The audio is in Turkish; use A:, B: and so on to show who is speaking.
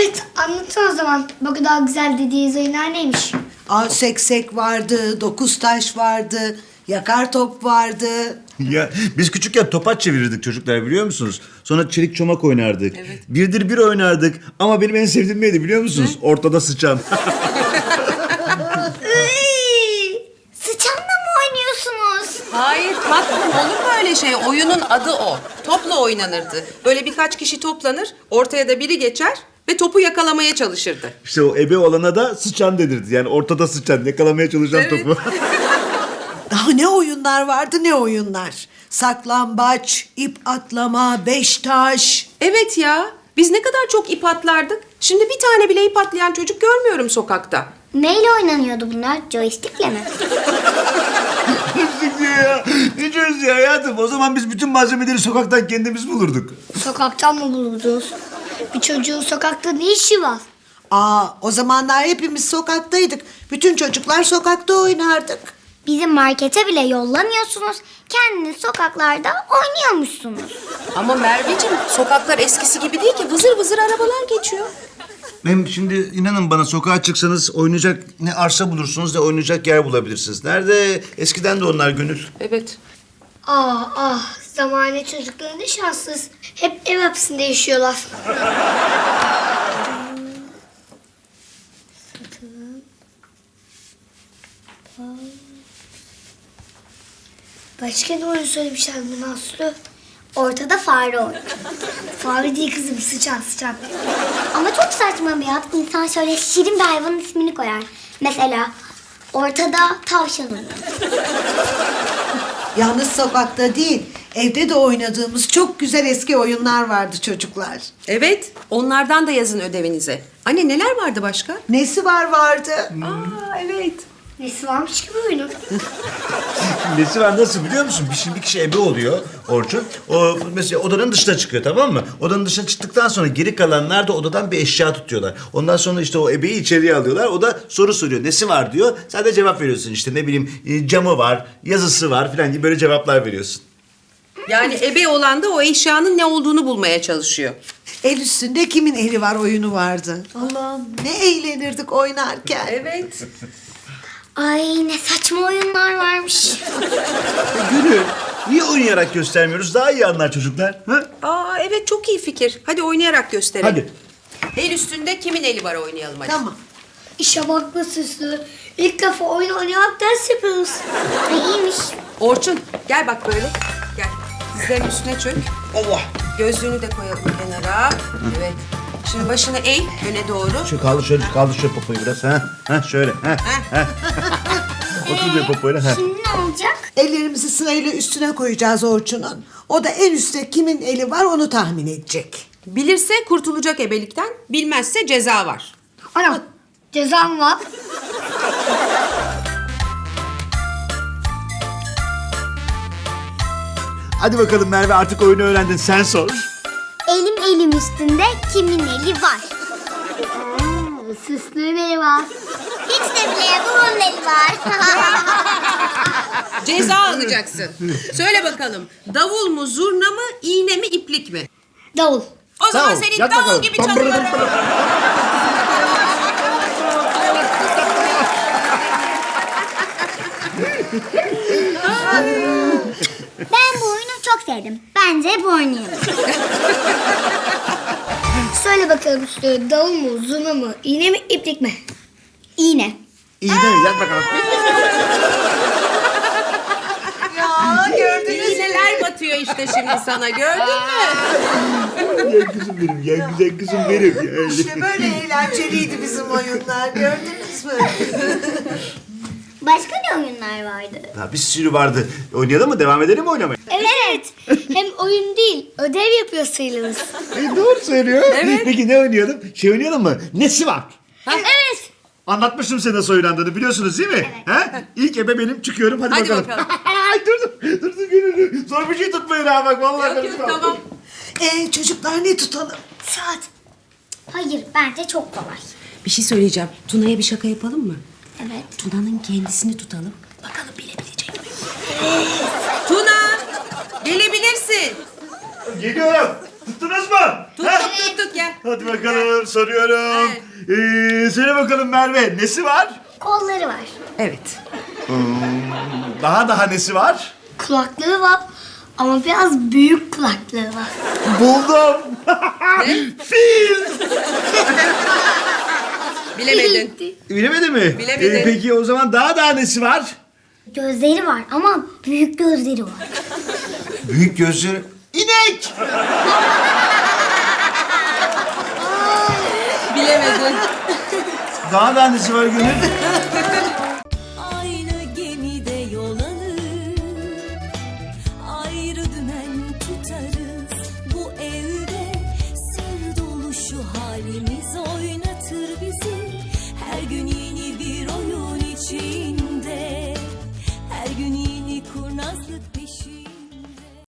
A: Evet, anlatın o zaman. Bu kadar güzel dediğiniz oyunlar neymiş?
B: Seksek vardı, dokuz taş vardı, yakar top vardı.
C: Ya biz küçükken topaç çevirirdik çocuklar, biliyor musunuz? Sonra çelik çomak oynardık. Evet. Birdir bir oynardık. Ama benim en sevdiğim neydi biliyor musunuz? Ortada sıçan.
A: Sıçanla mı oynuyorsunuz?
D: Hayır tatlım, olur mu öyle şey? Oyunun adı o. Topla oynanırdı. Böyle birkaç kişi toplanır, ortaya da biri geçer ve topu yakalamaya çalışırdı.
C: İşte o ebe olana da sıçan denirdi. Yani ortada sıçan, yakalamaya çalışan
D: Evet.
C: topu.
B: Daha ne oyunlar vardı, ne oyunlar. Saklambaç, ip atlama, beş taş.
D: Evet ya, biz ne kadar çok ip atlardık. Şimdi bir tane bile ip atlayan çocuk görmüyorum sokakta.
A: Neyle oynanıyordu bunlar? Joystick'le mi?
C: Joystick diyor ya. Ne joystick hayatım? O zaman biz bütün malzemeleri sokaktan kendimiz bulurduk.
A: Sokaktan mı buldunuz? Bir çocuğun sokakta ne işi var?
B: O zamanlar hepimiz sokaktaydık. Bütün çocuklar sokakta oynardık.
A: Bizi markete bile yollamıyorsunuz. Kendiniz sokaklarda oynuyormuşsunuz.
D: Ama Merveciğim, sokaklar eskisi gibi değil ki. Vızır vızır arabalar geçiyor.
C: Hem şimdi inanın bana, sokağa çıksanız oynayacak ne arsa bulursunuz ne oynayacak yer bulabilirsiniz. Nerede? Eskiden de onlar Gönül.
D: Evet.
A: Zamane çocukları ne şanssız. Hep ev hapsinde yaşıyorlar. Başka ne oyun söylemişler bana Aslı? Ortada fare oyunu. Fare değil kızım, sıçan. Ama çok saçma bir ad. İnsan şöyle şirin bir hayvanın ismini koyar. Mesela ortada tavşan oyunu.
B: Yalnız sokakta değil, evde de oynadığımız çok güzel eski oyunlar vardı çocuklar.
D: Evet, onlardan da yazın ödevinize. Anne neler vardı başka?
B: Nesi vardı.
D: Evet.
A: Nesi varmış ki bu oyunun?
C: Nesi var, nasıl biliyor musun? Şimdi bir kişi ebe oluyor Orçun. O mesela odanın dışına çıkıyor, tamam mı? Odanın dışına çıktıktan sonra geri kalanlar da odadan bir eşya tutuyorlar. Ondan sonra işte o ebeyi içeriye alıyorlar. O da soru soruyor. Nesi var diyor. Sen de cevap veriyorsun işte, ne bileyim camı var, yazısı var falan gibi böyle cevaplar veriyorsun.
D: Yani ebe olan da o eşyanın ne olduğunu bulmaya çalışıyor.
B: El üstünde kimin eli var oyunu vardı. Allah'ım ne eğlenirdik oynarken.
D: Evet.
A: Ay ne saçma oyunlar varmış.
C: Gönül, niye oynayarak göstermiyoruz? Daha iyi anlar çocuklar. Ha?
D: Evet, çok iyi fikir. Hadi oynayarak gösterelim.
C: Hadi.
D: El üstünde kimin eli var oynayalım hadi.
B: Tamam.
A: İşe bak be Süslü. İlk defa oyun oynayarak ders yapıyoruz. İyiymiş.
D: Orçun gel bak böyle. Gel. Dizlerin üstüne çök.
C: Allah.
D: Gözlüğünü de koyalım kenara. Evet. Şimdi başını eğ öne doğru.
C: Şöyle kaldır şöyle popoyu biraz. Ha şöyle. Ha. Otur bir popoyla. Ha.
A: Şimdi ne olacak?
B: Ellerimizi sırayla üstüne koyacağız Orçun'un. O da en üstte kimin eli var onu tahmin edecek.
D: Bilirse kurtulacak ebelikten, bilmezse ceza var.
A: Ana cezam var.
C: Hadi bakalım Merve, artık oyunu öğrendin, sen sor.
A: Elim üstünde kimin eli var? Süslü'nün eli var. Hiç de bile bunun eli var.
D: Ceza alacaksın. Söyle bakalım. Davul mu, zurna mı, iğne mi, iplik mi?
A: Davul.
D: O zaman senin
C: yat
D: davul
C: bakalım.
D: gibi çalıyorum.
A: Ben bu oyunu çok sevdim. Bence hep oynayalım. Söyle bakalım Süslü, davul mu, zurna mı, iğne mi, iplik mi? İğne.
C: İyi de yat bakalım.
D: İğneler batıyor işte şimdi sana, gördün mü?
C: Ya kızım benim, ya güzel kızım benim. Ya.
B: İşte böyle eğlenceliydi bizim oyunlar, gördünüz mü?
A: Başka ne oyunlar vardı?
C: Ha, bir sürü vardı. Oynayalım mı? Devam edelim mi oynamaya?
A: Evet. Hem oyun değil, ödev yapıyor sayılırız.
C: Doğru söylüyor. Evet. Peki ne oynayalım? Oynayalım mı? Nesi var?
A: Evet.
C: Anlatmıştım size nasıl oynandığını, biliyorsunuz değil mi? Ha? İlk ebe benim, çıkıyorum. Hadi bakalım. Ay dur Gönül. Zor bir şey tutmayın ha bak. Vallahi
D: Yok
C: karışmam.
D: tamam.
B: Çocuklar ne tutalım?
A: Saat. Hayır, bence çok kolay.
D: Bir şey söyleyeceğim. Tuna'ya bir şaka yapalım mı?
A: Evet.
D: Tuna'nın kendisini tutalım. Bakalım bilebilecek mi? Tuna! Gelebilirsin.
C: Geliyorum. Tuttunuz mu?
D: Tuttuk gel.
C: Hadi bakalım soruyorum. Söyle bakalım Merve nesi var?
A: Kolları var.
D: Evet.
C: Daha nesi var?
A: Kulaklığı var. Ama biraz büyük kulaklığı var.
C: Buldum. Fil.
D: Bilemedin.
C: Bilemedi mi?
D: Bilemedi.
C: Peki o zaman daha nesi var?
A: Gözleri var ama büyük gözleri var.
C: Büyük gözleri. İnek.
D: Bilemedin.
C: Daha nesi var Gönül?